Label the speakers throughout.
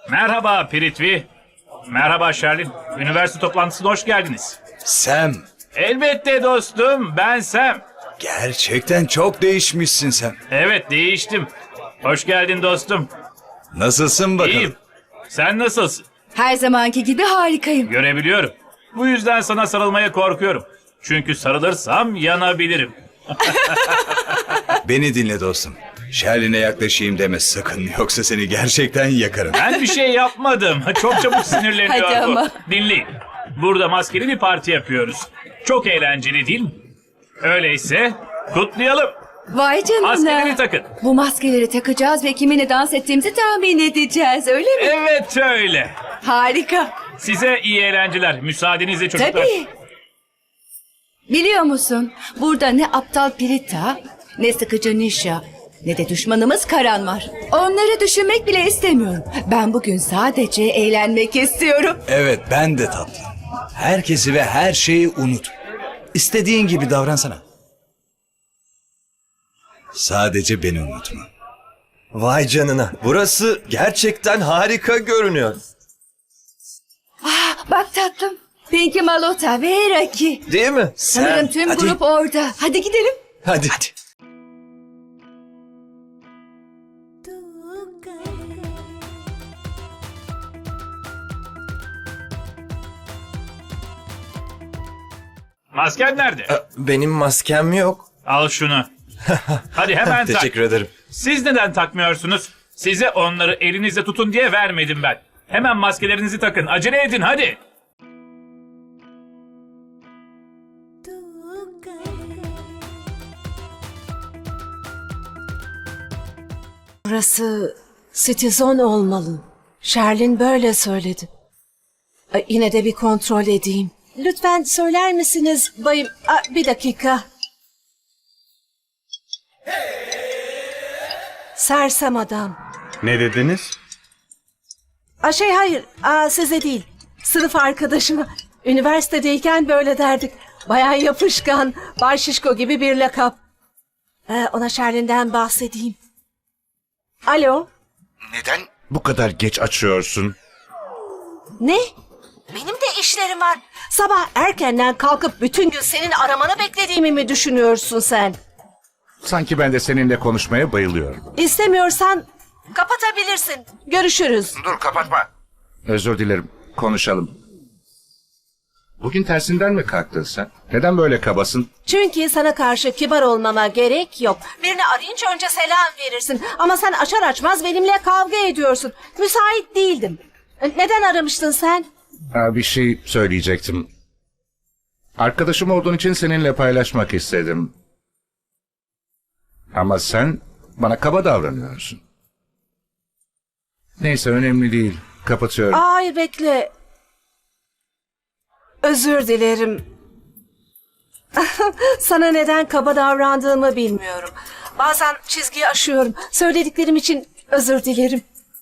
Speaker 1: Merhaba Piritvi. Merhaba Sherlin. Üniversite toplantısına hoş geldiniz.
Speaker 2: Sam,
Speaker 1: Elbette dostum, ben Sam.
Speaker 2: gerçekten çok değişmişsin sen.
Speaker 1: Evet, değiştim. Hoş geldin dostum.
Speaker 2: Nasılsın bakalım?
Speaker 1: İyiyim. Sen nasılsın?
Speaker 3: Her zamanki gibi harikayım.
Speaker 1: Görebiliyorum. Bu yüzden sana sarılmaya korkuyorum. Çünkü sarılırsam yanabilirim.
Speaker 2: Beni dinle dostum. Şerline yaklaşayım deme sakın, yoksa seni gerçekten yakarım.
Speaker 1: Ben bir şey yapmadım. Çok çabuk sinirleniyor
Speaker 3: Hadi
Speaker 1: bu.
Speaker 3: ama.
Speaker 1: Dinleyin. Burada maskeli bir parti yapıyoruz. Çok eğlenceli değil mi? Öyleyse kutlayalım.
Speaker 3: Vay canına.
Speaker 1: Maskeleri takın.
Speaker 3: Bu maskeleri takacağız ve kiminle dans ettiğimizi tahmin edeceğiz, öyle mi?
Speaker 1: Evet öyle.
Speaker 3: Harika.
Speaker 1: Size iyi eğlenceler. Müsaadenizle çocuklar.
Speaker 3: Tabii. Biliyor musun, burada ne aptal Pirita, ne sıkıcı Nisha, ne de düşmanımız Karan var. Onları düşünmek bile istemiyorum. Ben bugün sadece eğlenmek istiyorum.
Speaker 2: Evet, ben de tatlım. Herkesi ve her şeyi unut. İstediğin gibi davransana. Sadece beni unutma.
Speaker 4: Vay canına. Burası gerçekten harika görünüyor.
Speaker 3: Bak tatlım, Pinky Malota ve Raki.
Speaker 4: Değil mi?
Speaker 3: Sanırım tüm
Speaker 2: hadi.
Speaker 3: grup orada. Hadi gidelim.
Speaker 4: Hadi.
Speaker 1: Masken nerede?
Speaker 4: Benim maskem yok.
Speaker 1: Al şunu. Hadi hemen tak.
Speaker 4: Teşekkür ederim.
Speaker 1: Siz neden takmıyorsunuz? Size onları elinizle tutun diye vermedim ben. Hemen maskelerinizi takın. Acele edin hadi.
Speaker 5: Burası Citizen olmalı. Sherlin böyle söyledi. Yine de bir kontrol edeyim. Lütfen söyler misiniz bayım? Bir dakika. Sersem adam.
Speaker 6: Ne dediniz?
Speaker 5: Hayır. Size değil. Sınıf arkadaşıma. Üniversitedeyken böyle derdik. Bayağı yapışkan, Bay Şişko gibi bir lakap. Ona Sherlin'den bahsedeyim. Alo?
Speaker 6: Neden bu kadar geç açıyorsun?
Speaker 5: Ne? Benim de işlerim var. Sabah erkenden kalkıp bütün gün senin aramanı beklediğimi mi düşünüyorsun sen?
Speaker 6: Sanki ben de seninle konuşmaya bayılıyorum.
Speaker 5: İstemiyorsan kapatabilirsin. Görüşürüz.
Speaker 6: Dur kapatma. Özür dilerim. Konuşalım. Bugün tersinden mi kalktın sen? Neden böyle kabasın?
Speaker 5: Çünkü sana karşı kibar olmama gerek yok. Birini arayınca önce selam verirsin. Ama sen açar açmaz benimle kavga ediyorsun. Müsait değildim. Neden aramıştın sen?
Speaker 6: Bir şey söyleyecektim. Arkadaşım olduğun için seninle paylaşmak istedim. Ama sen bana kaba davranıyorsun. Neyse önemli değil. Kapatıyorum.
Speaker 5: Hayır bekle. Özür dilerim. Sana neden kaba davrandığımı bilmiyorum. Bazen çizgiyi aşıyorum. Söylediklerim için özür dilerim.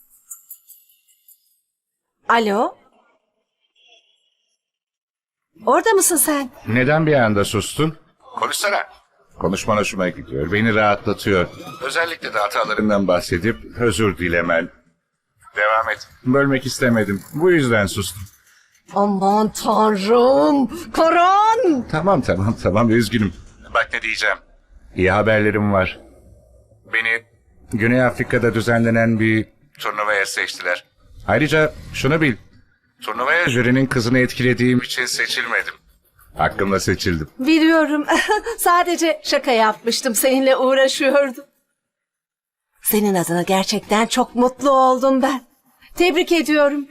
Speaker 5: Alo? Orada mısın sen?
Speaker 6: Neden bir anda sustun? Konuşsana. Konuşman hoşuma gidiyor. Beni rahatlatıyor. Özellikle de hatalarından bahsedip özür dilemen. Devam et. Bölmek istemedim. Bu yüzden sustum.
Speaker 5: Aman tanrım! Karan!
Speaker 6: Tamam. Üzgünüm. Bak ne diyeceğim. İyi haberlerim var. Beni Güney Afrika'da düzenlenen bir turnuvaya seçtiler. Ayrıca şunu bil. Turnuvaya jürinin kızını etkilediğim için seçilmedim. Hakkımla seçildim.
Speaker 5: Biliyorum. Sadece şaka yapmıştım. Seninle uğraşıyordum. Senin adına gerçekten çok mutlu oldum ben. Tebrik ediyorum.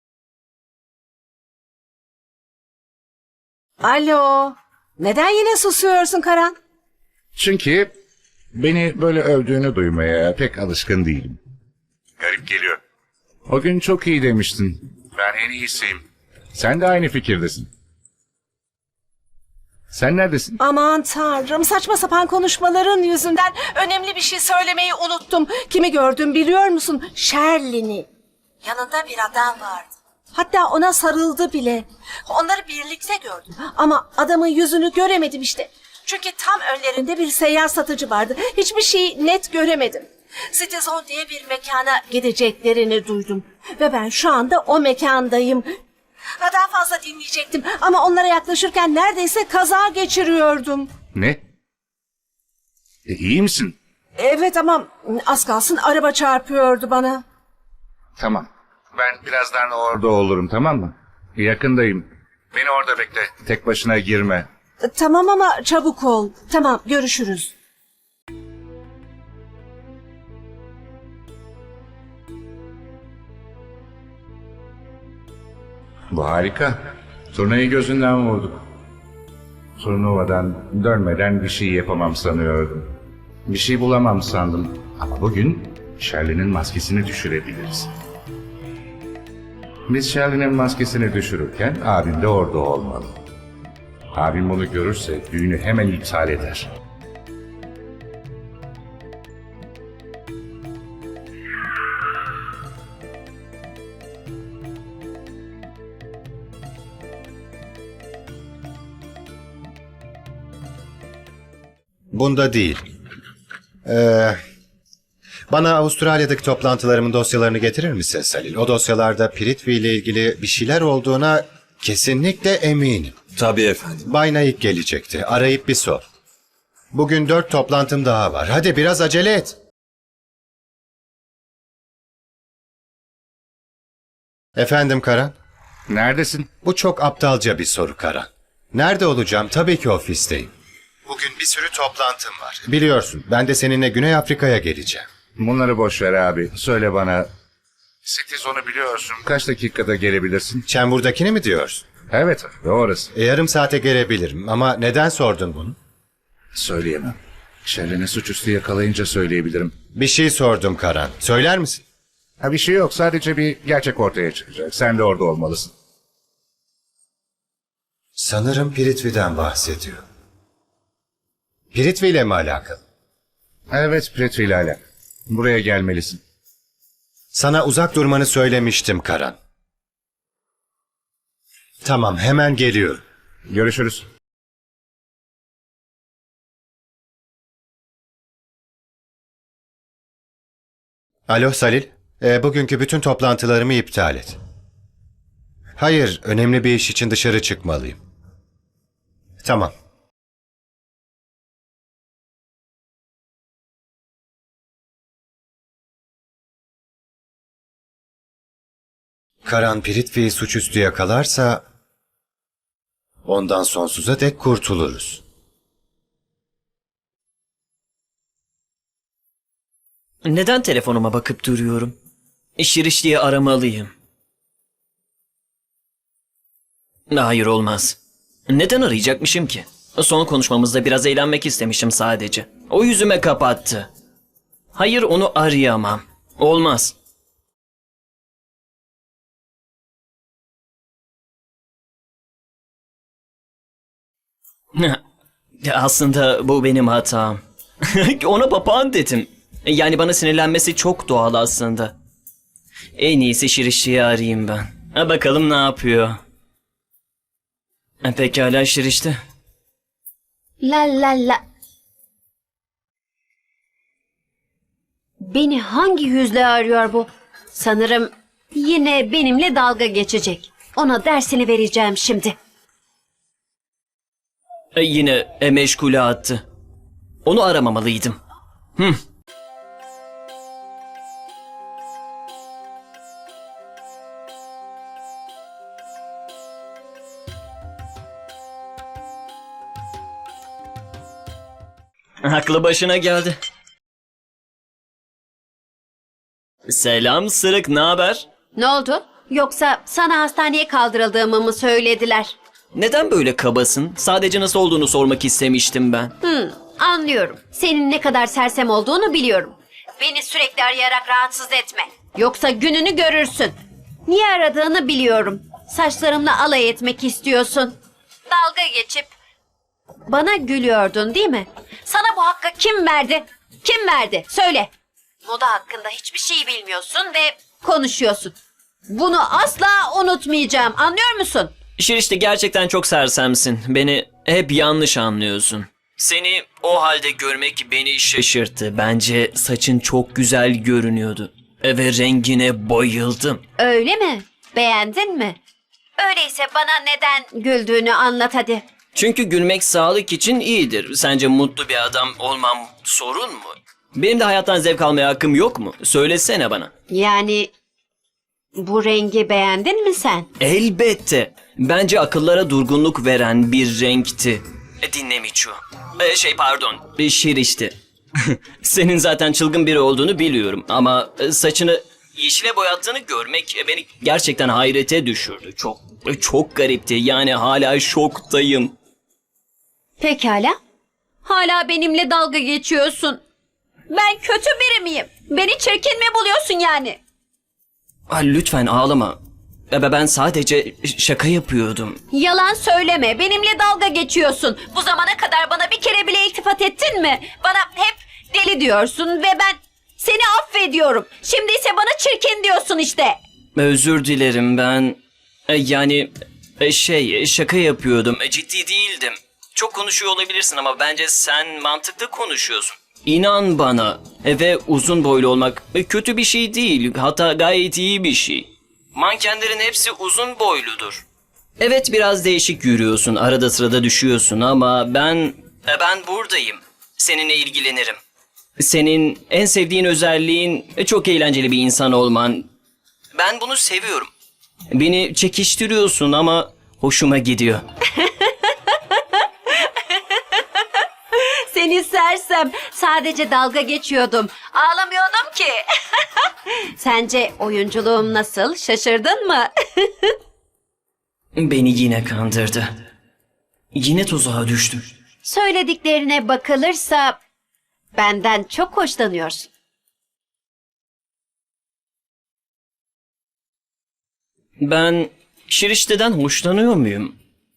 Speaker 5: Alo. Neden yine susuyorsun Karan?
Speaker 6: Çünkü beni böyle övdüğünü duymaya pek alışkın değilim. Garip geliyor. O gün çok iyi demiştin. Ben en iyisiyim. Sen de aynı fikirdesin. Sen neredesin?
Speaker 5: Aman tanrım, saçma sapan konuşmaların yüzünden önemli bir şey söylemeyi unuttum. Kimi gördüm biliyor musun? Sherlin'i. Yanında bir adam vardı. Hatta ona sarıldı bile. Onları birlikte gördüm. Ama adamın yüzünü göremedim işte. Çünkü tam önlerinde bir seyyar satıcı vardı. Hiçbir şeyi net göremedim. Citizen diye bir mekana gideceklerini duydum. Ve ben şu anda o mekandayım. Daha fazla dinleyecektim ama onlara yaklaşırken neredeyse kaza geçiriyordum.
Speaker 6: Ne? İyi misin?
Speaker 5: Evet ama az kalsın araba çarpıyordu bana.
Speaker 6: Tamam. Ben birazdan orada olurum, tamam mı? Yakındayım. Beni orada bekle. Tek başına girme.
Speaker 5: Tamam ama çabuk ol. Tamam, görüşürüz.
Speaker 6: Bu harika. Turnayı gözünden vurduk. Turnuvadan dönmeden bir şey yapamam sanıyordum. Bir şey bulamam sandım. Ama bugün Shirley'nin maskesini düşürebiliriz. Biz Shirley'nin maskesini düşürürken abim de orada olmalı. Abim bunu görürse düğünü hemen iptal eder.
Speaker 7: Bunda değil. Bana Avustralya'daki toplantılarımın dosyalarını getirir misin Salil? O dosyalarda Prithvi ile ilgili bir şeyler olduğuna kesinlikle eminim.
Speaker 2: Tabii efendim.
Speaker 7: Bay Naik gelecekti. Arayıp bir sor. Bugün 4 toplantım daha var. Hadi biraz acele et. Efendim Karan?
Speaker 6: Neredesin?
Speaker 7: Bu çok aptalca bir soru Karan. Nerede olacağım? Tabii ki ofisteyim. Bugün bir sürü toplantım var. Biliyorsun, ben de seninle Güney Afrika'ya geleceğim.
Speaker 6: Bunları boş ver abi. Söyle bana. Citizon'u biliyorsun. Kaç dakikada gelebilirsin?
Speaker 7: Çembur'dakini mi diyorsun?
Speaker 6: Evet, orası.
Speaker 7: Yarım saate gelebilirim ama neden sordun bunu?
Speaker 6: Söyleyemem. Shirley'ni suçüstü yakalayınca söyleyebilirim.
Speaker 7: Bir şey sordum Karan. Söyler misin?
Speaker 6: Ha, bir şey yok. Sadece bir gerçek ortaya çıkacak. Sen de orada olmalısın.
Speaker 7: Sanırım Prithvi'den bahsediyor. Prithvi ile mi alakalı?
Speaker 6: Evet, Prithvi ile alakalı. Buraya gelmelisin.
Speaker 7: Sana uzak durmanı söylemiştim Karan. Tamam, hemen geliyorum.
Speaker 6: Görüşürüz.
Speaker 7: Alo Salil, bugünkü bütün toplantılarımı iptal et. Hayır, önemli bir iş için dışarı çıkmalıyım. Tamam. Karan Prithvi'yi suçüstü yakalarsa ondan sonsuza dek kurtuluruz.
Speaker 8: Neden telefonuma bakıp duruyorum? İş diye aramalıyım. Hayır olmaz. Neden arayacakmışım ki? Son konuşmamızda biraz eğlenmek istemişim sadece. O yüzüme kapattı. Hayır onu arayamam. Olmaz. Aslında bu benim hatam. Ona papağan dedim. Yani bana sinirlenmesi çok doğal aslında. En iyisi Şirişti'yi arayayım ben. Bakalım ne yapıyor. Pekala Şirişti.
Speaker 9: La la la. Beni hangi yüzle arıyor bu? Sanırım yine benimle dalga geçecek. Ona dersini vereceğim şimdi.
Speaker 8: Yine meşgule attı. Onu aramamalıydım. Aklı başına geldi. Selam Sırık, ne haber?
Speaker 9: Ne oldu? Yoksa sana hastaneye kaldırıldığımı mı söylediler?
Speaker 8: Neden böyle kabasın? Sadece nasıl olduğunu sormak istemiştim ben.
Speaker 9: Anlıyorum. Senin ne kadar sersem olduğunu biliyorum. Beni sürekli arayarak rahatsız etme. Yoksa gününü görürsün. Niye aradığını biliyorum. Saçlarımla alay etmek istiyorsun. Dalga geçip bana gülüyordun değil mi? Sana bu hakkı kim verdi? Kim verdi? Söyle. Moda hakkında hiçbir şey bilmiyorsun ve konuşuyorsun. Bunu asla unutmayacağım. Anlıyor musun?
Speaker 8: Şirişte gerçekten çok sersemsin. Beni hep yanlış anlıyorsun. Seni o halde görmek beni şaşırttı. Bence saçın çok güzel görünüyordu. ve rengine bayıldım.
Speaker 9: Öyle mi? Beğendin mi? Öyleyse bana neden güldüğünü anlat hadi.
Speaker 8: Çünkü gülmek sağlık için iyidir. Sence mutlu bir adam olmam sorun mu? Benim de hayattan zevk almaya hakkım yok mu? Söylesene bana.
Speaker 9: Yani bu rengi beğendin mi sen?
Speaker 8: Elbette. Bence akıllara durgunluk veren bir renkti. Dinle Miço. Şirişti. Senin zaten çılgın biri olduğunu biliyorum ama saçını yeşile boyattığını görmek beni gerçekten hayrete düşürdü. Çok garipti. Yani hala şoktayım.
Speaker 9: Pekala. Hala benimle dalga geçiyorsun. Ben kötü biri miyim? Beni çirkin mi buluyorsun yani?
Speaker 8: Lütfen ağlama. Ben sadece şaka yapıyordum.
Speaker 9: Yalan söyleme. Benimle dalga geçiyorsun. Bu zamana kadar bana bir kere bile iltifat ettin mi? Bana hep deli diyorsun ve ben seni affediyorum. Şimdi ise bana çirkin diyorsun işte.
Speaker 8: Özür dilerim ben. Şaka yapıyordum. Ciddi değildim. Çok konuşuyor olabilirsin ama bence sen mantıklı konuşuyorsun. İnan bana. Ve uzun boylu olmak kötü bir şey değil. Hatta gayet iyi bir şey. Mankenlerin hepsi uzun boyludur. Evet biraz değişik yürüyorsun. Arada sırada düşüyorsun ama ben buradayım. Seninle ilgilenirim. Senin en sevdiğin özelliğin çok eğlenceli bir insan olman. Ben bunu seviyorum. Beni çekiştiriyorsun ama hoşuma gidiyor.
Speaker 9: Seni sersem. Sadece dalga geçiyordum. Ağlamıyordum ki. Sence oyunculuğum nasıl? Şaşırdın mı?
Speaker 8: Beni yine kandırdı. Yine tuzağa düştüm.
Speaker 9: Söylediklerine bakılırsa benden çok hoşlanıyorsun.
Speaker 8: Ben Şirişte'den hoşlanıyor muyum?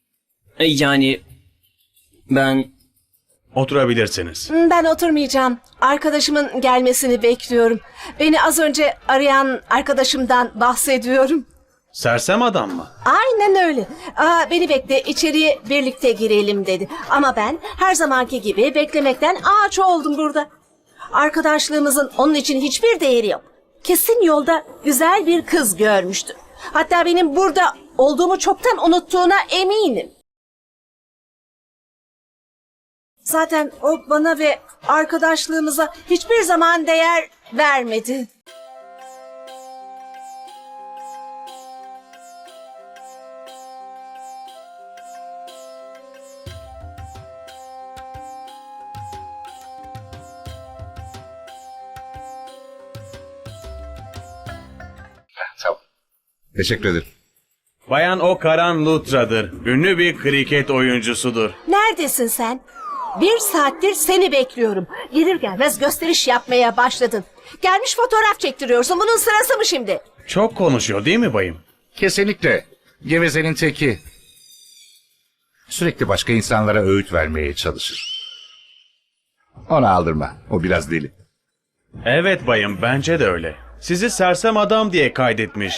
Speaker 8: Ben...
Speaker 10: Oturabilirsiniz.
Speaker 5: Ben oturmayacağım. Arkadaşımın gelmesini bekliyorum. Beni az önce arayan arkadaşımdan bahsediyorum.
Speaker 10: Sersem adam mı?
Speaker 5: Aynen öyle. Beni bekle, içeriye birlikte girelim dedi. Ama ben her zamanki gibi beklemekten ağaç oldum burada. Arkadaşlığımızın onun için hiçbir değeri yok. Kesin yolda güzel bir kız görmüştü. Hatta benim burada olduğumu çoktan unuttuğuna eminim. Zaten o bana ve arkadaşlığımıza hiçbir zaman değer vermedi.
Speaker 6: Tamam. Teşekkür ederim.
Speaker 10: Bayan O Karan Lutra'dır. Ünlü bir kriket oyuncusudur.
Speaker 5: Neredesin sen? 1 saattir seni bekliyorum. Gelir gelmez gösteriş yapmaya başladın. Gelmiş fotoğraf çektiriyorsun. Bunun sırası mı şimdi?
Speaker 10: Çok konuşuyor değil mi bayım?
Speaker 6: Kesinlikle. Gevezenin teki. Sürekli başka insanlara öğüt vermeye çalışır. Ona aldırma. O biraz deli.
Speaker 10: Evet bayım, bence de öyle. Sizi sersem adam diye kaydetmiş.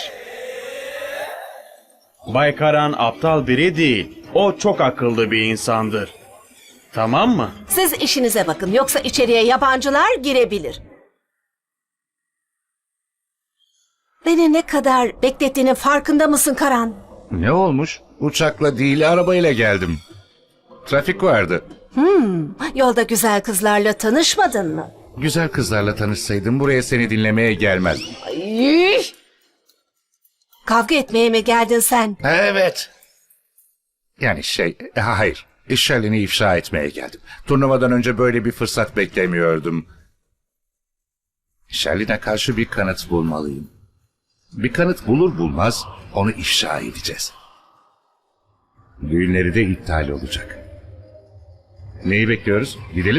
Speaker 10: Bay Karan aptal biri değil. O çok akıllı bir insandır. Tamam mı?
Speaker 5: Siz işinize bakın. Yoksa içeriye yabancılar girebilir. Beni ne kadar beklettiğinin farkında mısın Karan?
Speaker 6: Ne olmuş? Uçakla değil arabayla geldim. Trafik vardı.
Speaker 5: Yolda güzel kızlarla tanışmadın mı?
Speaker 6: Güzel kızlarla tanışsaydım buraya seni dinlemeye gelmezdim.
Speaker 5: Ay! Kavga etmeye mi geldin sen?
Speaker 6: Evet. Yani hayır. Şerlin'i ifşa etmeye geldim. Turnuvadan önce böyle bir fırsat beklemiyordum. Şerlin'e karşı bir kanıt bulmalıyım. Bir kanıt bulur bulmaz onu ifşa edeceğiz. Düğünleri de iptal olacak. Neyi bekliyoruz? Gidelim.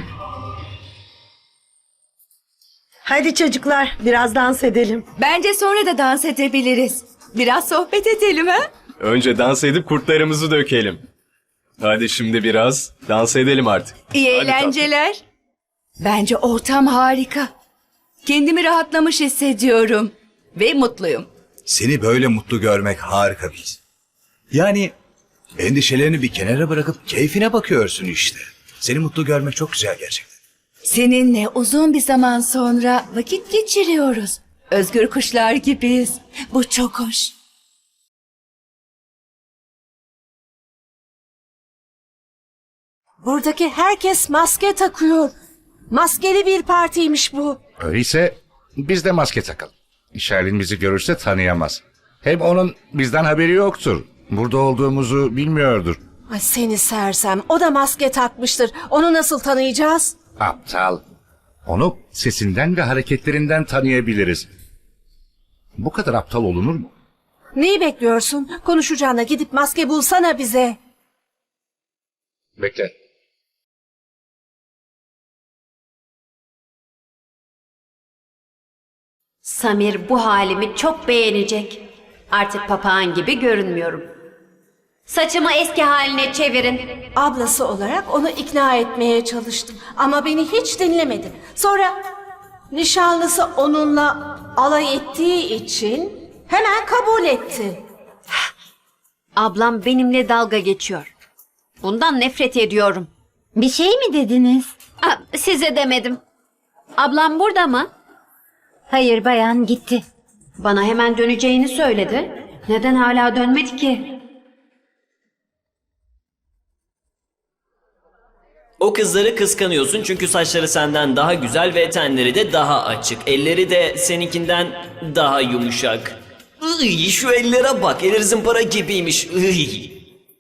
Speaker 11: Hadi çocuklar biraz dans edelim.
Speaker 3: Bence sonra da dans edebiliriz. Biraz sohbet edelim ha?
Speaker 12: Önce dans edip kurtlarımızı dökelim. Hadi şimdi biraz dans edelim artık.
Speaker 3: İyi
Speaker 12: Hadi
Speaker 3: eğlenceler. Bence ortam harika. Kendimi rahatlamış hissediyorum. Ve mutluyum.
Speaker 2: Seni böyle mutlu görmek harika bir his. Yani endişelerini bir kenara bırakıp keyfine bakıyorsun işte. Seni mutlu görmek çok güzel gerçekten.
Speaker 3: Seninle uzun bir zaman sonra vakit geçiriyoruz. Özgür kuşlar gibiyiz. Bu çok hoş.
Speaker 5: Buradaki herkes maske takıyor. Maskeli bir partiymiş bu.
Speaker 6: Öyleyse biz de maske takalım. Sherlin bizi görürse tanıyamaz. Hem onun bizden haberi yoktur. Burada olduğumuzu bilmiyordur.
Speaker 5: Ay seni sersem. O da maske takmıştır. Onu nasıl tanıyacağız?
Speaker 6: Aptal. Onu sesinden ve hareketlerinden tanıyabiliriz. Bu kadar aptal olunur mu?
Speaker 5: Neyi bekliyorsun? Konuşacağına gidip maske bulsana bize.
Speaker 6: Bekle.
Speaker 9: Samir bu halimi çok beğenecek. Artık papağan gibi görünmüyorum. Saçımı eski haline çevirin.
Speaker 5: Ablası olarak onu ikna etmeye çalıştım. Ama beni hiç dinlemedi. Sonra nişanlısı onunla alay ettiği için hemen kabul etti.
Speaker 9: Ablam benimle dalga geçiyor. Bundan nefret ediyorum. Bir şey mi dediniz? Size demedim. Ablam burada mı? Hayır bayan gitti. Bana hemen döneceğini söyledi. Neden hala dönmedi ki?
Speaker 8: O kızları kıskanıyorsun çünkü saçları senden daha güzel ve tenleri de daha açık. Elleri de seninkinden daha yumuşak. Iy, şu ellere bak, eller zımpara gibiymiş. Iy.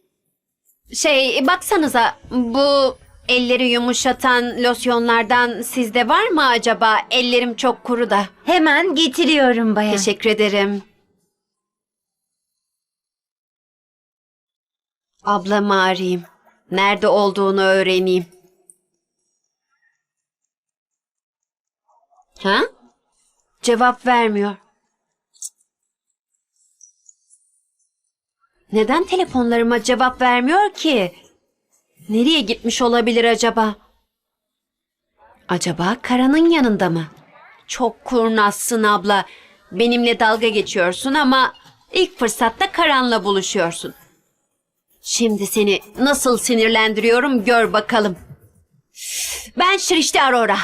Speaker 9: Baksanıza bu elleri yumuşatan losyonlardan sizde var mı acaba? Ellerim çok kuru da.
Speaker 13: Hemen getiriyorum bayan.
Speaker 9: Teşekkür ederim. Ablamı arayayım. Nerede olduğunu öğreneyim. Ha? Cevap vermiyor. Neden telefonlarıma cevap vermiyor ki? Nereye gitmiş olabilir acaba? Acaba Karan'ın yanında mı? Çok kurnazsın abla. Benimle dalga geçiyorsun ama ilk fırsatta Karan'la buluşuyorsun. Şimdi seni nasıl sinirlendiriyorum gör bakalım. Ben Shrishti Arora.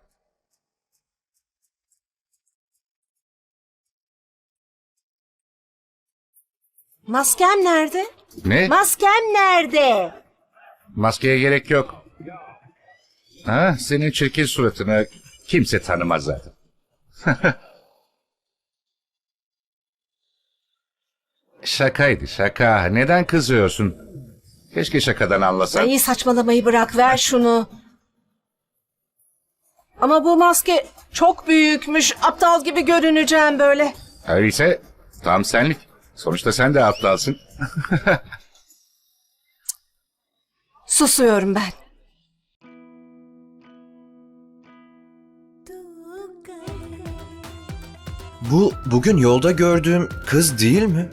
Speaker 5: Maskem nerede?
Speaker 6: Ne?
Speaker 5: Maskem nerede?
Speaker 6: Maskeye gerek yok. Ha, senin çirkin suratını kimse tanımaz zaten. Şakaydı şaka. Neden kızıyorsun? Keşke şakadan anlasan.
Speaker 5: Ay saçmalamayı bırak, ver şunu. Ama bu maske çok büyükmüş. Aptal gibi görüneceğim böyle.
Speaker 6: Öyleyse tam senlik. Sonuçta sen de aptalsın.
Speaker 5: Susuyorum ben.
Speaker 4: Bu bugün yolda gördüğüm kız değil mi?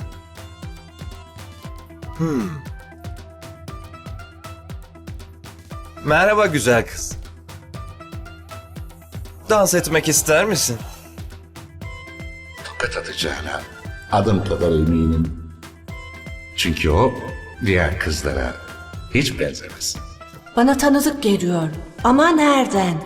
Speaker 4: Merhaba güzel kız. Dans etmek ister misin?
Speaker 6: Tokat atacağına adım kadar eminim. Çünkü o diğer kızlara hiç benzemez.
Speaker 5: Bana tanıdık geliyor. Ama nereden?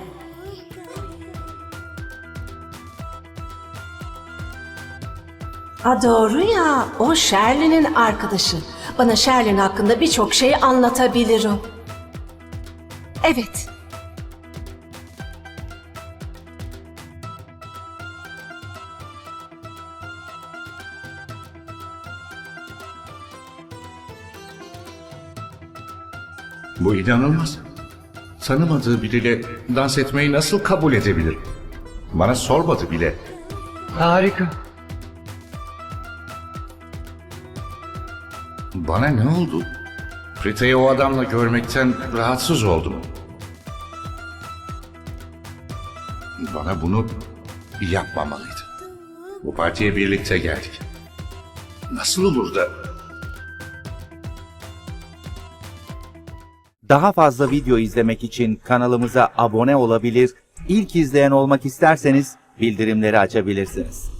Speaker 5: Doğru ya. O Sherlin'in arkadaşı. Bana Sherlin hakkında birçok şey anlatabilir o. Evet.
Speaker 6: Bu inanılmaz. Tanımadığı biriyle dans etmeyi nasıl kabul edebilir? Bana sormadı bile.
Speaker 2: Harika.
Speaker 6: Bana ne oldu? Prita'yı o adamla görmekten rahatsız oldum. Bana bunu yapmamalıydı. Bu partiye birlikte geldik. Nasıl olur da...
Speaker 14: Daha fazla video izlemek için kanalımıza abone olabilir, ilk izleyen olmak isterseniz bildirimleri açabilirsiniz.